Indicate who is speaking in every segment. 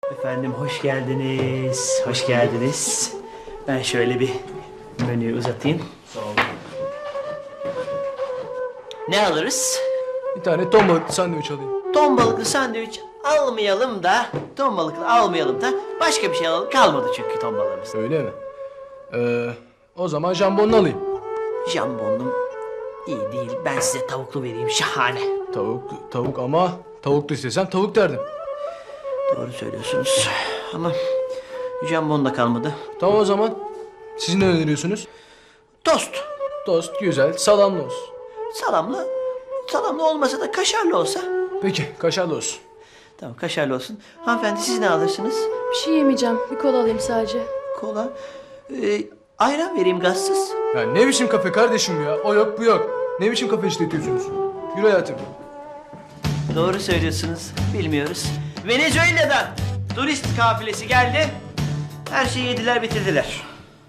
Speaker 1: Efendim hoş geldiniz. Hoş geldiniz. Ben şöyle bir menüyü uzatayım. Sağ olun. Ne alırız?
Speaker 2: Bir tane ton balıklı sandviç alayım.
Speaker 1: Ton balıklı sandviç almayalım da, ton balıklı almayalım da başka bir şey alalım. Kalmadı çünkü ton balığımız.
Speaker 2: Öyle mi? O zaman jambonlu alayım.
Speaker 1: Jambonum iyi değil. Ben size tavuklu vereyim. Şahane.
Speaker 2: Tavuk ama tavuklu istesem tavuk derdim.
Speaker 1: Doğru söylüyorsunuz. Ama jambon da kalmadı.
Speaker 2: Tamam o zaman. Siz ne öneriyorsunuz?
Speaker 1: Tost.
Speaker 2: Tost güzel, salamlı olsun.
Speaker 1: Salamlı olmasa da kaşarlı olsa.
Speaker 2: Peki, kaşarlı olsun.
Speaker 1: Tamam kaşarlı olsun. Hanımefendi siz ne alırsınız?
Speaker 3: Bir şey yemeyeceğim. Bir kola alayım sadece.
Speaker 1: Kola. Ayran vereyim gazsız.
Speaker 2: Ya ne biçim kafe kardeşim ya? O yok bu yok. Ne biçim kafe işletiyorsunuz? Yürü hayatım.
Speaker 1: Doğru söylüyorsunuz. Bilmiyoruz. Venezuela'dan turist kafilesi geldi. Her şeyi yediler bitirdiler.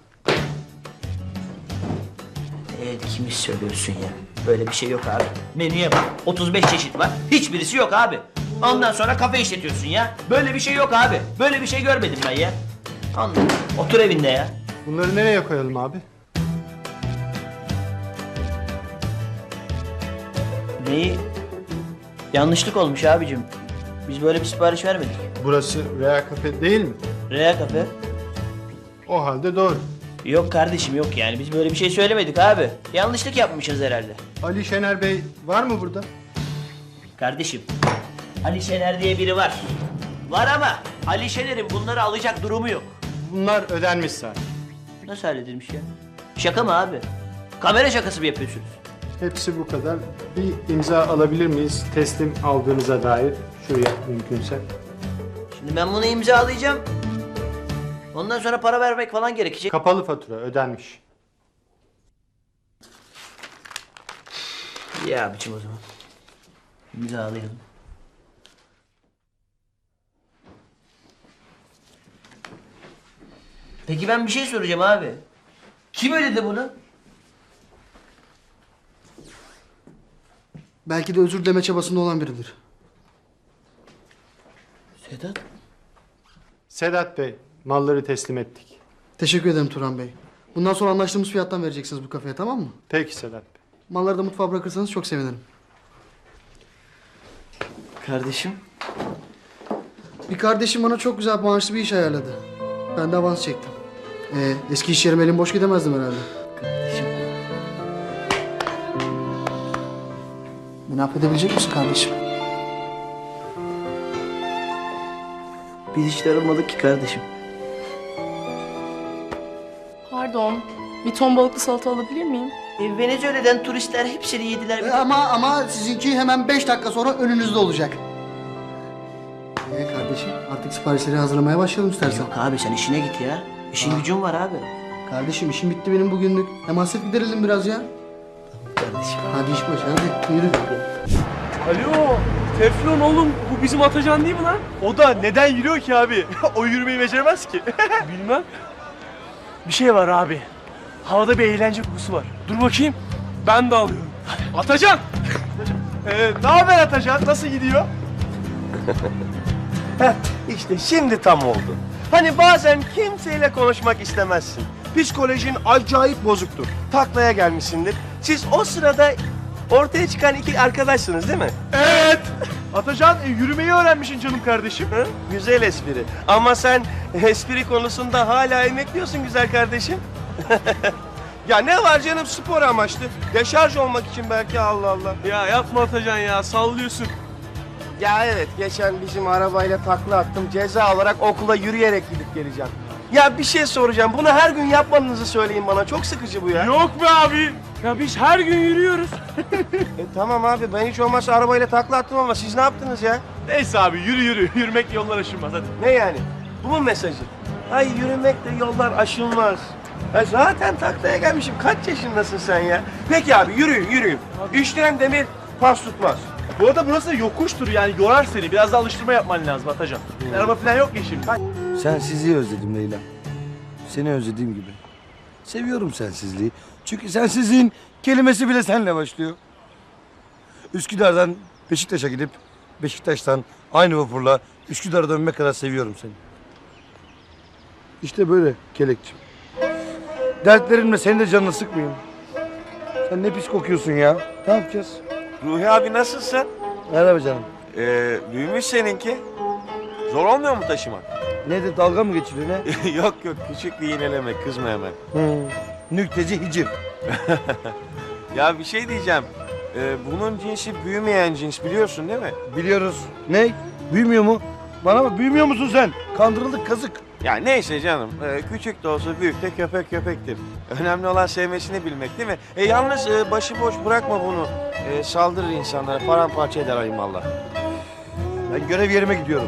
Speaker 1: Kimi söylüyorsun ya? Böyle bir şey yok abi. Menüye bak. 35 çeşit var. Hiçbirisi yok abi. Ondan sonra kafe işletiyorsun ya. Böyle bir şey yok abi. Böyle bir şey görmedim ben ya. Anladım. Otur evinde ya.
Speaker 4: Bunları nereye koyalım abi?
Speaker 1: Neyi? Yanlışlık olmuş abicim. Biz böyle bir sipariş vermedik.
Speaker 4: Burası Rea Cafe değil mi?
Speaker 1: Rea kafe.
Speaker 4: O halde doğru.
Speaker 1: Yok kardeşim yok yani. Biz böyle bir şey söylemedik abi. Yanlışlık yapmışız herhalde.
Speaker 4: Ali Şener Bey var mı burada?
Speaker 1: Kardeşim, Ali Şener diye biri var. Var ama Ali Şener'in bunları alacak durumu yok.
Speaker 4: Bunlar ödenmiş zaten.
Speaker 1: Nasıl halledilmiş ya? Şaka mı abi? Kamera şakası mı yapıyorsunuz?
Speaker 4: Hepsi bu kadar. Bir imza alabilir miyiz? Teslim aldığınıza dair. Şuraya mümkünse.
Speaker 1: Şimdi ben bunu imzalayacağım. Ondan sonra para vermek falan gerekecek.
Speaker 4: Kapalı fatura ödenmiş.
Speaker 1: Ya abicim o zaman. İmzalayalım. Peki ben bir şey soracağım abi. Kim ödedi bunu?
Speaker 5: Belki de özür dileme çabasında olan biridir.
Speaker 1: Sedat.
Speaker 4: Sedat Bey, malları teslim ettik.
Speaker 5: Teşekkür ederim Turan Bey. Bundan sonra anlaştığımız fiyattan vereceksiniz bu kafeye, tamam mı?
Speaker 4: Peki Sedat Bey.
Speaker 5: Malları da mutfağa bırakırsanız çok sevinirim.
Speaker 1: Kardeşim.
Speaker 5: Bir kardeşim bana çok güzel maaşlı bir iş ayarladı. Ben de avans çektim. Eski iş yerime elim boş gidemezdim herhalde.
Speaker 1: Kardeşim.
Speaker 5: Beni affedebilecek misin kardeşim?
Speaker 1: Biz hiç darılmadık ki kardeşim.
Speaker 3: Pardon. Bir ton balıklı salata alabilir miyim?
Speaker 1: Venezuela'dan turistler hepsini yediler.
Speaker 5: Ama sizinki hemen 5 dakika sonra önünüzde olacak. Kardeşim artık siparişleri hazırlamaya başlayalım istersen.
Speaker 1: Yok abi sen işine git ya. İşin gücün var abi.
Speaker 5: Kardeşim işim bitti benim bugünlük. Hem hasret giderelim biraz ya.
Speaker 1: Kardeşim.
Speaker 5: Hadi iş başı hadi yürü.
Speaker 6: Alo, Teflon oğlum bu bizim Atacan değil mi lan?
Speaker 7: O da neden yürüyor ki abi? O yürümeyi beceremez ki.
Speaker 6: Bilmem. Bir şey var abi. Havada bir eğlence kokusu var. Dur bakayım. Ben de alıyorum. Atacan!
Speaker 7: Ne haber Atacan? Nasıl gidiyor? işte şimdi tam oldu. Hani bazen kimseyle konuşmak istemezsin. Psikolojin acayip bozuktur. Taklaya gelmişsindir. Siz o sırada ortaya çıkan iki arkadaşsınız değil mi?
Speaker 6: Evet! Atacan yürümeyi öğrenmişsin canım kardeşim.
Speaker 7: Hı? Güzel espri. Ama sen espri konusunda hala emekliyorsun güzel kardeşim. Ya ne var canım spor amaçlı. Deşarj olmak için belki Allah Allah.
Speaker 6: Ya yapma Atacan ya sallıyorsun.
Speaker 7: Ya evet geçen bizim arabayla takla attım. Ceza olarak okula yürüyerek gidip geleceğim. Ya bir şey soracağım. Bunu her gün yapmanızı söyleyin bana. Çok sıkıcı bu ya.
Speaker 6: Yok be abi. Ya biz her gün yürüyoruz.
Speaker 7: Tamam abi ben hiç olmazsa arabayla takla attım ama siz ne yaptınız ya?
Speaker 6: Neyse abi yürü yürü. Yürümek yollar aşılmaz hadi.
Speaker 7: Ne yani? Bu mu mesajı? Ay yürümekle yollar aşılmaz. Ya zaten taklaya gelmişim. Kaç yaşındasın sen ya? Peki abi yürüyün yürüyün. İşleyen demir pas tutmaz.
Speaker 6: Bu arada burası yokuştur yani yorar seni. Biraz da alıştırma yapman lazım Atacan. Araba falan yok ya şimdi.
Speaker 8: Sensizliği özledim Leyla. Seni özlediğim gibi. Seviyorum sensizliği. Çünkü sensizliğin kelimesi bile senle başlıyor. Üsküdar'dan Beşiktaş'a gidip Beşiktaş'tan aynı vapurla Üsküdar'a dönmek kadar seviyorum seni.
Speaker 2: İşte böyle kelekçim.
Speaker 8: Dertlerimle senin de canını sıkmayayım. Sen ne pis kokuyorsun ya. Ne yapacağız?
Speaker 7: Ruhi abi nasılsın?
Speaker 8: Merhaba canım.
Speaker 7: Büyümüş seninki. Zor olmuyor mu taşımak?
Speaker 8: Ne de dalga mı geçiliyor ne?
Speaker 7: Yok yok, küçük bir iğneleme, kızma hemen.
Speaker 8: Nükteci hicim.
Speaker 7: Ya bir şey diyeceğim. Bunun cinsi büyümeyen cins, biliyorsun değil mi?
Speaker 8: Biliyoruz. Ne? Büyümüyor mu? Bana bak, büyümüyor musun sen? Kandırıldık kazık.
Speaker 7: Ya neyse canım, küçük de olsa büyük de köpek köpektir. Önemli olan sevmesini bilmek değil mi? Yalnız başıboş bırakma bunu. Saldırır insanlara, paramparça eder ayımallah.
Speaker 8: Ben görev yerime gidiyorum.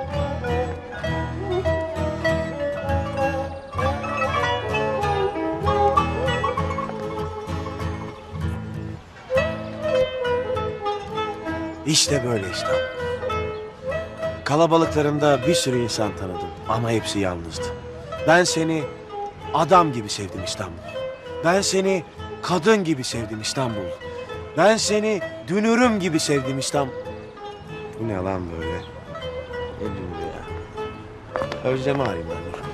Speaker 7: İşte böyle İstanbul. Kalabalıklarında bir sürü insan tanıdım ama hepsi yalnızdı. Ben seni adam gibi sevdim İstanbul. Ben seni kadın gibi sevdim İstanbul. Ben seni dünürüm gibi sevdim İstanbul. Bu ne lan böyle? Ne dünürü ya? Özlemi arayayım ben dur.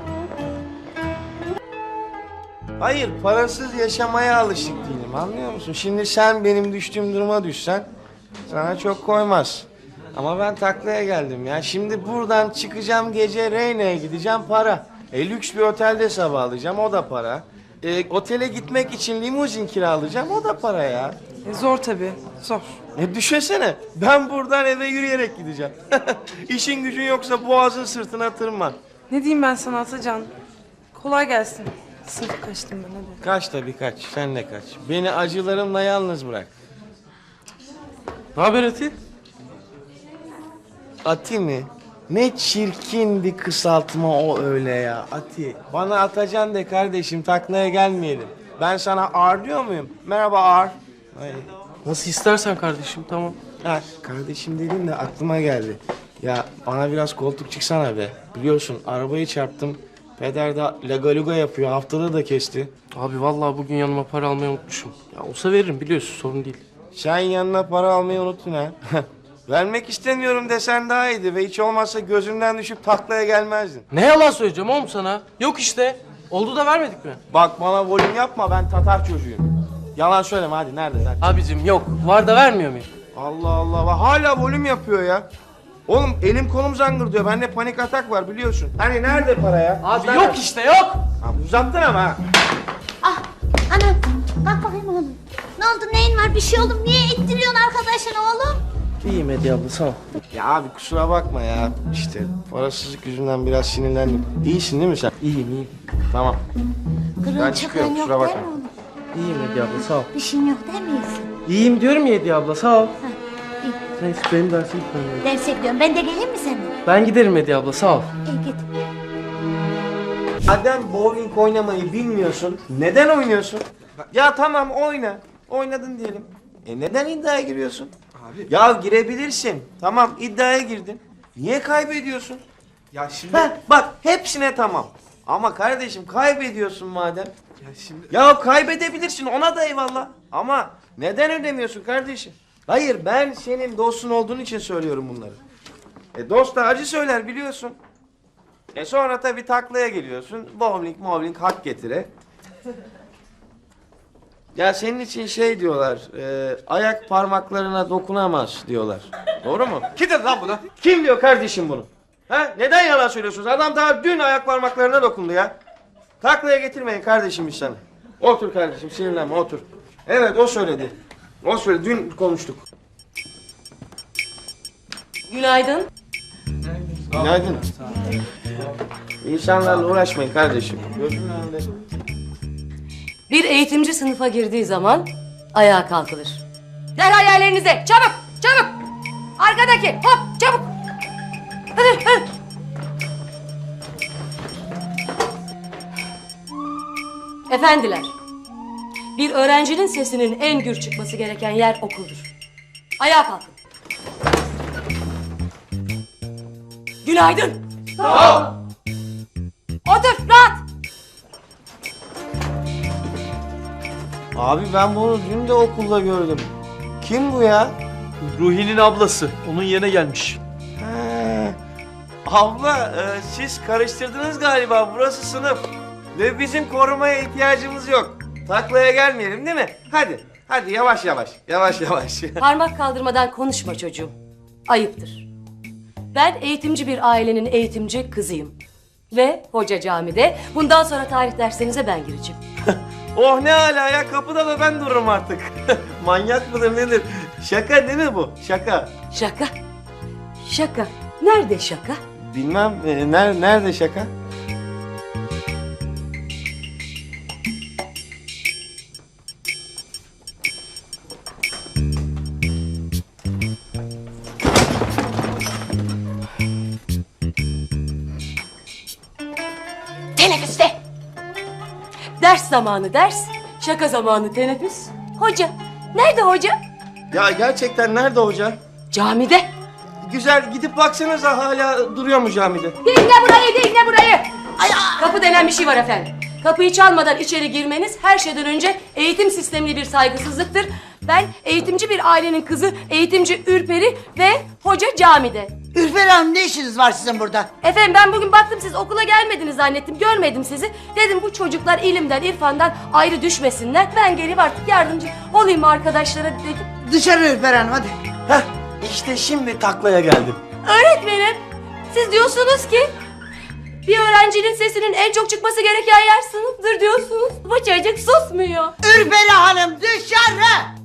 Speaker 7: Hayır, parasız yaşamaya alışık değilim, anlıyor musun? Şimdi sen benim düştüğüm duruma düşsen sana çok koymaz. Ama ben taklaya geldim ya. Şimdi buradan çıkacağım, gece Reyna'ya gideceğim, para. Lüks bir otelde sabahlayacağım, o da para. Otele gitmek için limuzin kiralayacağım, o da para ya.
Speaker 9: Zor tabii, zor.
Speaker 7: Düşünsene, ben buradan eve yürüyerek gideceğim. İşin gücün yoksa boğazın sırtına tırman.
Speaker 9: Ne diyeyim ben sana Atacan? Kolay gelsin. Sırf kaçtım ben hadi.
Speaker 7: Kaç tabii kaç, sen de kaç. Beni acılarımla yalnız bırak.
Speaker 6: Ne haber Ati?
Speaker 7: Ati mi? Ne çirkin bir kısaltma o öyle ya. Ati. Bana Atacan de kardeşim, taklaya gelmeyelim. Ben sana Ar diyor muyum? Merhaba Ar. Ay.
Speaker 6: Nasıl istersen kardeşim, tamam.
Speaker 7: Ha, kardeşim dediğin de aklıma geldi. Ya bana biraz koltuk çıksana be. Biliyorsun arabayı çarptım. Peder de lagaluga yapıyor. Haftada da kesti.
Speaker 6: Abi vallahi bugün yanıma para almayı unutmuşum. Ya olsa veririm, biliyorsun, sorun değil.
Speaker 7: Sen yanına para almayı unuttun ha. Vermek istemiyorum desen daha iyiydi ve hiç olmazsa gözümden düşüp taklaya gelmezdin.
Speaker 6: Ne yalan söyleyeceğim oğlum sana? Yok işte. Oldu da vermedik mi?
Speaker 7: Bak bana volüm yapma, ben Tatar çocuğuyum. Yalan söyleme hadi, nerede?
Speaker 6: Abicim yok. Var da vermiyor muyum?
Speaker 7: Allah Allah, bak hala volüm yapıyor ya. Oğlum elim kolum zangır diyor, bende panik atak var biliyorsun. Hani nerede para ya?
Speaker 6: Abi yok işte, yok.
Speaker 7: Ha, uzattın ama ha.
Speaker 10: Ah anam kalk bakayım oğlum. Ne oldu neyin var bir şey oldu niye ittiriyorsun arkadaşını oğlum?
Speaker 6: İyiyim Hediye abla, sağ ol.
Speaker 7: Ya abi kusura bakma ya. İşte parasızlık yüzünden biraz sinirlendim. İyisin değil mi sen?
Speaker 6: İyiyim, iyiyim.
Speaker 7: Tamam.
Speaker 10: Kırığın
Speaker 7: Ben
Speaker 10: çıkığın
Speaker 7: çıkıyorum,
Speaker 10: yok
Speaker 7: kusura
Speaker 10: değil
Speaker 7: bakma.
Speaker 10: mi oğlum?
Speaker 6: İyiyim Hediye abla, sağ ol.
Speaker 10: Bir şeyin yok değil mi iyisin?
Speaker 6: İyiyim diyorum ya Hediye abla, sağ ol.
Speaker 10: iyi.
Speaker 6: Neyse benim dersim bitmedi.
Speaker 10: Derse gidiyorum ben de geleyim mi seninle?
Speaker 6: Ben giderim Hediye abla, sağ ol.
Speaker 10: İyi git.
Speaker 7: Madem bowling oynamayı bilmiyorsun, neden oynuyorsun? Ya tamam oyna. Oynadın diyelim. Neden iddiaya giriyorsun? Abi. Ya girebilirsin. Tamam iddiaya girdin. Niye kaybediyorsun?
Speaker 2: Ya şimdi...
Speaker 7: Bak hepsine tamam. Ama kardeşim kaybediyorsun madem.
Speaker 2: Ya şimdi...
Speaker 7: Ya kaybedebilirsin, ona da eyvallah. Ama neden ödemiyorsun kardeşim? Hayır, ben senin dostun olduğun için söylüyorum bunları. Dost da acı söyler biliyorsun. Sonra tabii taklaya geliyorsun. Bowling hak getire. Ya senin için şey diyorlar, ayak parmaklarına dokunamaz diyorlar. Doğru mu?
Speaker 2: Kim dedi lan bunu?
Speaker 7: Kim diyor kardeşim bunu? Ha? Neden yalan söylüyorsunuz? Adam daha dün ayak parmaklarına dokundu ya. Taklaya getirmeyin kardeşim biz sana. Otur kardeşim, sinirlenme, otur. Evet, o söyledi. O söyledi, dün konuştuk.
Speaker 9: Günaydın.
Speaker 7: Günaydın. İnsanlarla uğraşmayın kardeşim. Gözümün önünde.
Speaker 11: Bir eğitimci sınıfa girdiği zaman ayağa kalkılır. Derhal yerlerinize, çabuk, çabuk. Arkadaki, hop, çabuk. Hadi, hadi. Efendiler, bir öğrencinin sesinin en gür çıkması gereken yer okuldur. Ayağa kalkın. Günaydın. Sağ ol. Otur, rahat.
Speaker 7: Abi ben bunu dün de okulda gördüm. Kim bu ya?
Speaker 6: Ruhi'nin ablası. Onun yerine gelmiş.
Speaker 7: He, Abla siz karıştırdınız galiba. Burası sınıf. Ve bizim korumaya ihtiyacımız yok. Taklaya gelmeyelim değil mi? Hadi. Hadi yavaş yavaş. Yavaş yavaş.
Speaker 11: Parmak kaldırmadan konuşma çocuğum. Ayıptır. Ben eğitimci bir ailenin eğitimci kızıyım. Ve hoca camide. Bundan sonra tarih derslerinize ben gireceğim.
Speaker 7: Oh ne hala ya, kapıda da ben dururum artık. Manyak mıdır nedir? Şaka değil mi bu? Şaka.
Speaker 11: Şaka. Şaka. Nerede şaka?
Speaker 7: Bilmem nerede şaka?
Speaker 11: Teneffüste. Ders zamanı ders, şaka zamanı teneffüs. Hoca. Nerede hoca?
Speaker 7: Ya gerçekten nerede hoca?
Speaker 11: Camide.
Speaker 7: Güzel, gidip baksanıza hala duruyor mu camide?
Speaker 11: Dinle burayı, dinle burayı. Kapı denen bir şey var efendim. Kapıyı çalmadan içeri girmeniz her şeyden önce eğitim sistemine bir saygısızlıktır. Ben eğitimci bir ailenin kızı, eğitimci Ürperi ve hoca camide.
Speaker 12: Ürfer Hanım, ne işiniz var sizin burada?
Speaker 11: Efendim ben bugün baktım siz okula gelmediniz zannettim, görmedim sizi. Dedim bu çocuklar ilimden, irfandan ayrı düşmesinler. Ben gelip artık yardımcı olayım arkadaşlara dedim.
Speaker 12: Dışarı Ürfer Hanım, hadi.
Speaker 7: Heh, işte şimdi taklaya geldim.
Speaker 11: Öğretmenim, siz diyorsunuz ki bir öğrencinin sesinin en çok çıkması gereken yer sınıftır diyorsunuz. Bu çocuk susmuyor.
Speaker 12: Ürfer Hanım, dışarı!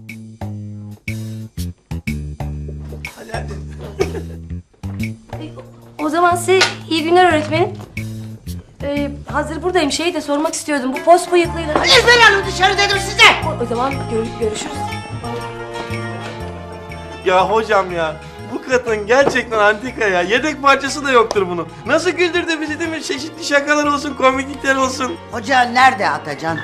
Speaker 11: O zaman size iyi günler öğretmenim. Hazır buradayım şeyi de sormak istiyordum. Bu pos bıyıklıyla...
Speaker 12: Ürfer Hanım, dışarı dedim size!
Speaker 11: O zaman görüşürüz.
Speaker 7: Ya hocam ya, bu kadın gerçekten antika ya. Yedek parçası da yoktur bunun. Nasıl güldürdü bizi değil mi? Çeşitli şakalar olsun, komiklikler olsun.
Speaker 12: Hoca nerede Atacan?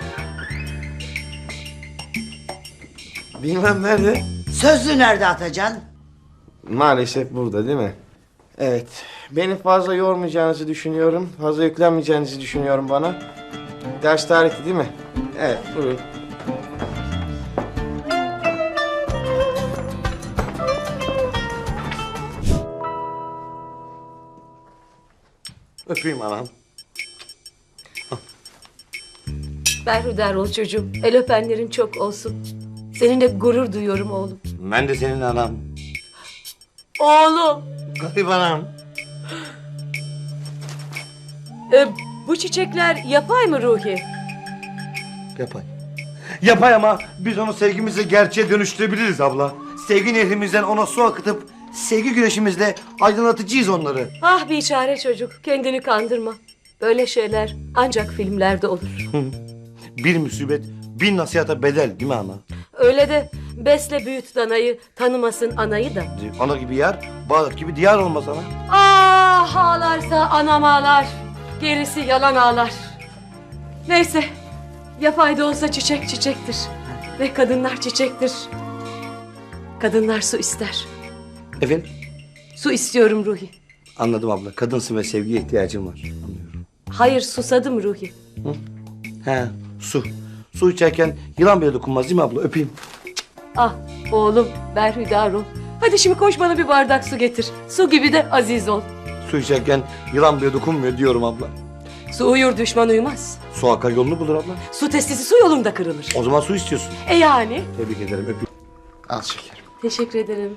Speaker 7: Bilmem nerede.
Speaker 12: Sözlü nerede Atacan?
Speaker 7: Maalesef burada değil mi? Evet. Beni fazla yormayacağınızı düşünüyorum. Fazla yüklenmeyeceğinizi düşünüyorum bana. Ders tarihi değil mi? Evet, buyurun. Öpeyim anam.
Speaker 11: Berhudar ol çocuğum. El öpenlerin çok olsun. Seninle gurur duyuyorum oğlum.
Speaker 8: Ben de senin anam.
Speaker 11: Oğlum.
Speaker 8: Garip anam.
Speaker 11: Bu çiçekler yapay mı Ruhi?
Speaker 8: Yapay. Yapay ama biz onu sevgimizle gerçeğe dönüştürebiliriz abla. Sevgi nehrimizden ona su akıtıp sevgi güneşimizle aydınlatıcıyız onları.
Speaker 11: Ah biçare çocuk, kendini kandırma. Böyle şeyler ancak filmlerde olur.
Speaker 8: Bir musibet bin nasihata bedel değil mi ana?
Speaker 11: Öyle de besle büyüt danayı, tanımasın anayı da.
Speaker 8: Ana gibi yer, Bağdat gibi diyar olmaz ana.
Speaker 11: Ah ağlarsa anam ağlar, gerisi yalan ağlar. Neyse, yapay da olsa çiçek çiçektir. Ve kadınlar çiçektir. Kadınlar su ister.
Speaker 8: Efendim?
Speaker 11: Su istiyorum Ruhi.
Speaker 8: Anladım abla. Kadınsın ve sevgiye ihtiyacın var. Anlıyorum.
Speaker 11: Hayır susadım Ruhi.
Speaker 8: He, su. Su içerken yılan bile dokunmaz değil mi abla? Öpeyim.
Speaker 11: Ah oğlum berhudar ol. Hadi şimdi koş bana bir bardak su getir. Su gibi de aziz ol.
Speaker 8: Su içerken yılan bile dokunmuyor diyorum abla.
Speaker 11: Su uyur düşman uyumaz.
Speaker 8: Su akar yolunu bulur abla.
Speaker 11: Su testisi su yolunda kırılır.
Speaker 8: O zaman su istiyorsun.
Speaker 11: Yani?
Speaker 8: Tebrik ederim. Öpeyim.
Speaker 4: Al şekerim.
Speaker 11: Teşekkür ederim.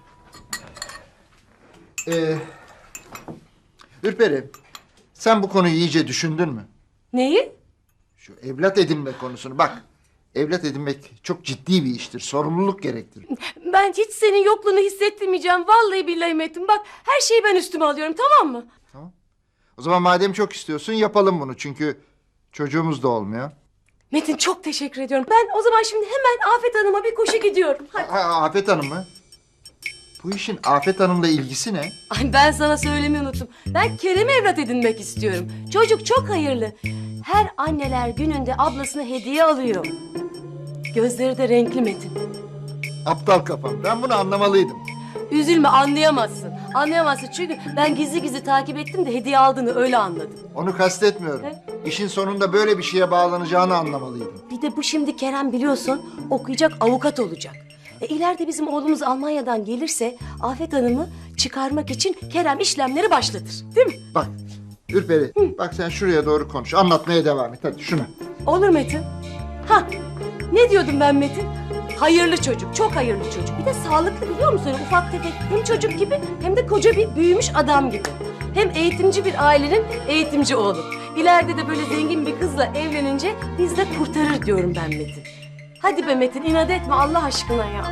Speaker 13: Ürperi, sen bu konuyu iyice düşündün mü?
Speaker 11: Neyi?
Speaker 13: Şu evlat edinme konusunu bak. Evlat edinmek çok ciddi bir iştir. Sorumluluk gerektirir.
Speaker 11: Ben hiç senin yokluğunu hissettirmeyeceğim. Vallahi billahi Metin. Bak her şeyi ben üstüme alıyorum tamam mı?
Speaker 13: O zaman madem çok istiyorsun yapalım bunu. Çünkü çocuğumuz da olmuyor.
Speaker 11: Metin çok teşekkür ediyorum. Ben o zaman şimdi hemen Afet Hanım'a bir koşu gidiyorum. Hadi.
Speaker 13: Afet Hanım mı? Bu işin Afet Hanım'la ilgisi ne?
Speaker 11: Ay ben sana söylemeyi unuttum. Ben Kerem'i evlat edinmek istiyorum. Çocuk çok hayırlı. Her anneler gününde ablasına hediye alıyor. Gözleri de renkli Metin.
Speaker 13: Aptal kafam. Ben bunu anlamalıydım.
Speaker 11: Üzülme anlayamazsın. Anlayamazsın çünkü ben gizli gizli takip ettim de hediye aldığını öyle anladım.
Speaker 13: Onu kastetmiyorum. İşin sonunda böyle bir şeye bağlanacağını anlamalıydım.
Speaker 11: Bir de bu şimdi Kerem biliyorsun okuyacak avukat olacak. İleride bizim oğlumuz Almanya'dan gelirse Afet Hanım'ı çıkarmak için Kerem işlemleri başlatır. Değil mi?
Speaker 13: Bak Ürperi bak sen şuraya doğru konuş. Anlatmaya devam et hadi şuna.
Speaker 11: Olur Metin. Ha, ne diyordum ben Metin? Hayırlı çocuk, çok hayırlı çocuk. Bir de sağlıklı biliyor musun? Öyle ufak tefek hem çocuk gibi hem de koca bir büyümüş adam gibi. Hem eğitimci bir ailenin eğitimci oğlu. İleride de böyle zengin bir kızla evlenince biz de kurtarır diyorum ben Metin. Hadi be Metin, inat etme Allah aşkına ya.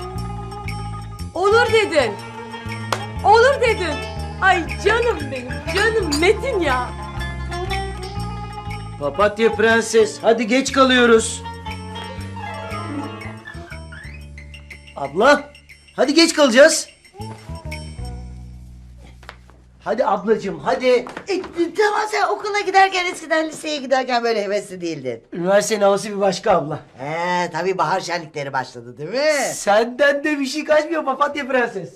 Speaker 11: Olur dedin. Olur dedin. Ay canım benim, canım Metin ya.
Speaker 1: Papatya prenses, hadi geç kalıyoruz. Abla, hadi geç kalacağız. Hadi ablacığım, hadi.
Speaker 12: Tamam sen okula giderken eskiden liseye giderken böyle hevesli değildin.
Speaker 1: Üniversitenin havası bir başka abla.
Speaker 12: Tabii bahar şenlikleri başladı değil mi?
Speaker 1: Senden de bir şey kaçmıyor papatya prenses.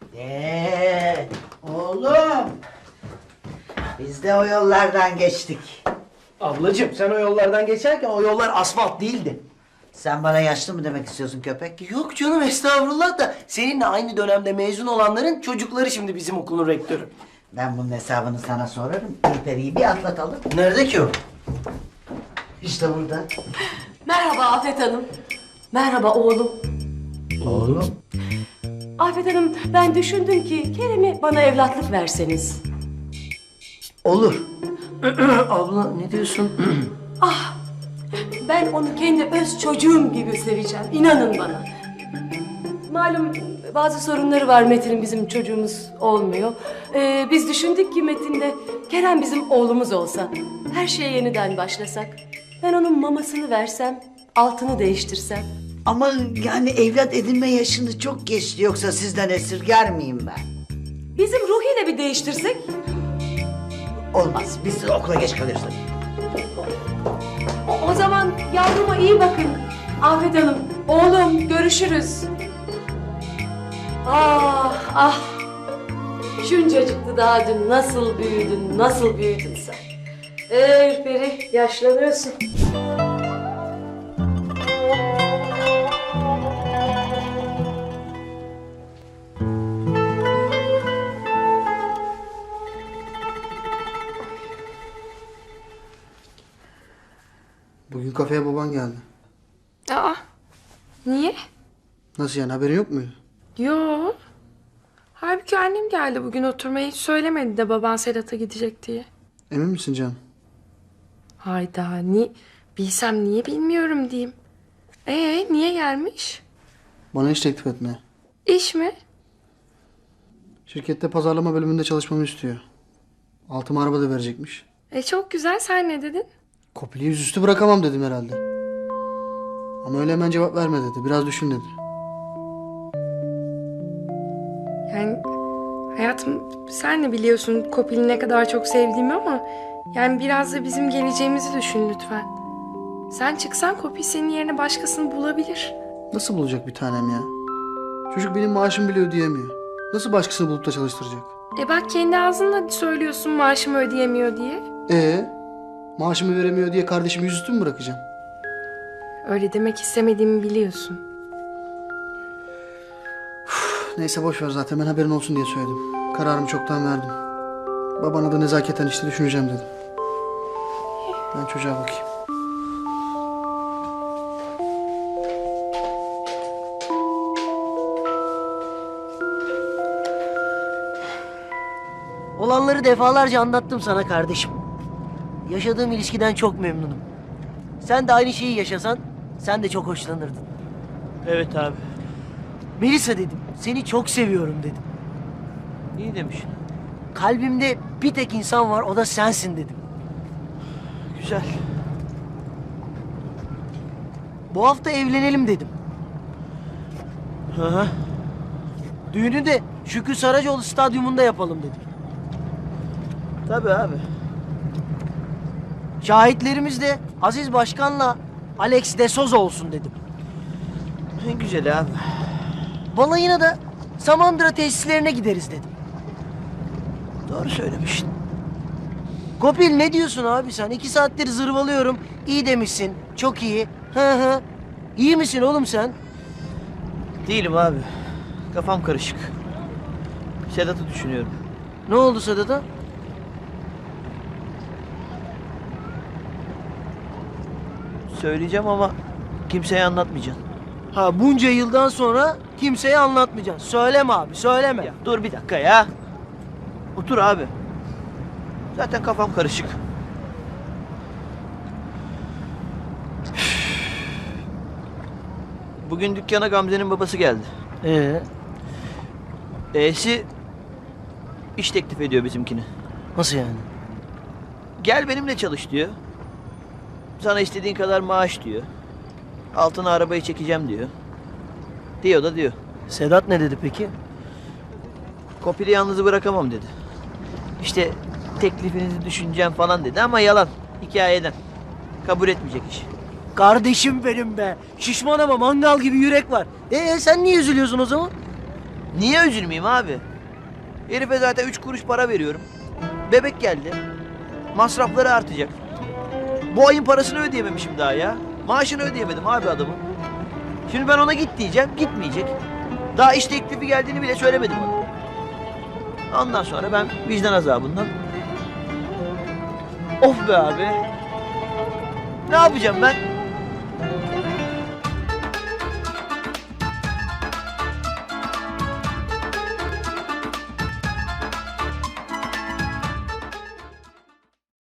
Speaker 12: Oğlum. Biz de o yollardan geçtik.
Speaker 1: Ablacığım sen o yollardan geçerken o yollar asfalt değildi.
Speaker 12: Sen bana yaşlı mı demek istiyorsun köpek?
Speaker 1: Yok canım estağfurullah da seninle aynı dönemde mezun olanların çocukları şimdi bizim okulun rektörü.
Speaker 12: Ben bunun hesabını sana sorarım. Ürperi'yi bir atlatalım.
Speaker 1: Nerede ki o?
Speaker 12: İşte burada.
Speaker 11: Merhaba Afet Hanım. Merhaba oğlum.
Speaker 12: Oğlum.
Speaker 11: Afet Hanım, ben düşündüm ki Kerem'i bana evlatlık verseniz.
Speaker 1: Olur. Abla ne diyorsun?
Speaker 11: Ah, ben onu kendi öz çocuğum gibi seveceğim. İnanın bana. Malum bazı sorunları var Metin'in, bizim çocuğumuz olmuyor. Biz düşündük ki Metin'de Kerem bizim oğlumuz olsa. Her şeye yeniden başlasak. Ben onun mamasını versem, altını değiştirsem.
Speaker 12: Ama yani evlat edinme yaşını çok geçti. Yoksa sizden esirger miyim ben?
Speaker 11: Bizim Ruhi'yle bir değiştirsek.
Speaker 12: Olmaz. Biz de okula geç kalıyoruz.
Speaker 11: O zaman yavruma iyi bakın. Afet Hanım, oğlum görüşürüz. Ah ah. Şuncacıktı daha dün, nasıl büyüdün, nasıl büyüdün sen. Ürperi, yaşlanıyorsun.
Speaker 5: Bugün kafeye baban geldi.
Speaker 9: Aa, niye?
Speaker 5: Nasıl yani haberin yok muydu?
Speaker 9: Yo. Halbuki annem geldi bugün oturmaya, hiç söylemedi de baban Sedat'a gidecek diye.
Speaker 5: Emin misin canım?
Speaker 9: Hayda, bilsem niye bilmiyorum diyeyim. Niye gelmiş?
Speaker 5: Bana iş teklif etmeye.
Speaker 9: İş mi?
Speaker 5: Şirkette pazarlama bölümünde çalışmamı istiyor. Altıma araba da verecekmiş.
Speaker 9: Çok güzel, sen ne dedin?
Speaker 5: Kopili yüzüstü bırakamam dedim herhalde. Ama öyle hemen cevap verme dedi. Biraz düşün dedi.
Speaker 9: Yani hayatım, sen de biliyorsun Kopil'i ne kadar çok sevdiğimi ama yani biraz da bizim geleceğimizi düşün lütfen. Sen çıksan Kopil senin yerine başkasını bulabilir.
Speaker 5: Nasıl bulacak bir tanem ya? Çocuk benim maaşımı bile ödeyemiyor. Nasıl başkasını bulup da çalıştıracak?
Speaker 9: Bak kendi ağzınla söylüyorsun maaşımı ödeyemiyor diye.
Speaker 5: Maaşımı veremiyor diye kardeşimi yüzüstü mü bırakacağım?
Speaker 9: Öyle demek istemediğimi biliyorsun.
Speaker 5: Neyse boş ver, zaten ben haberin olsun diye söyledim. Kararımı çoktan verdim. Babana da nezaketen işte düşüneceğim dedim. Ben çocuğa bakayım.
Speaker 1: Olanları defalarca anlattım sana kardeşim. Yaşadığım ilişkiden çok memnunum. Sen de aynı şeyi yaşasan sen de çok hoşlanırdın. Evet abi. Melisa dedim, seni çok seviyorum dedim. İyi demiş. Kalbimde bir tek insan var, o da sensin dedim. Güzel. Bu hafta evlenelim dedim. Hı. Düğünü de Şükrü Saracoğlu stadyumunda yapalım dedim. Tabii abi. Şahitlerimiz de Aziz Başkan'la Alex de Souza olsun dedim. En güzel abi. Balayına da Samandıra tesislerine gideriz dedim. Doğru söylemişsin. Kopil ne diyorsun abi sen? 2 saattir zırvalıyorum. İyi demişsin. Çok iyi. Hı. İyi misin oğlum sen? Değilim abi. Kafam karışık. Sedat'ı düşünüyorum.
Speaker 6: Ne oldu Sedat'a?
Speaker 1: Söyleyeceğim ama kimseye anlatmayacaksın.
Speaker 6: Ha bunca yıldan sonra kimseye anlatmayacaksın. Söyleme abi söyleme.
Speaker 1: Ya dur bir dakika ya. Otur abi. Zaten kafam karışık. Bugün dükkana Gamze'nin babası geldi. E'si iş teklif ediyor bizimkini.
Speaker 6: Nasıl yani?
Speaker 1: Gel benimle çalış diyor. Sana istediğin kadar maaş diyor. Altına arabayı çekeceğim diyor. Diyor da diyor.
Speaker 6: Sedat ne dedi peki?
Speaker 1: Kopil'i yalnız bırakamam dedi. İşte teklifinizi düşüneceğim falan dedi ama yalan. Hikayeden. Kabul etmeyecek iş.
Speaker 6: Kardeşim benim be. Şişman ama mangal gibi yürek var. Sen niye üzülüyorsun o zaman?
Speaker 1: Niye üzülmeyeyim abi? Herife zaten 3 kuruş para veriyorum. Bebek geldi. Masrafları artacak. Bu ayın parasını ödeyememişim daha ya. Maaşını ödeyemedim abi adamın. Şimdi ben ona git diyeceğim, gitmeyecek. Daha iş teklifi geldiğini bile söylemedim ona. Ondan sonra ben vicdan azabından... Of be abi. Ne yapacağım ben?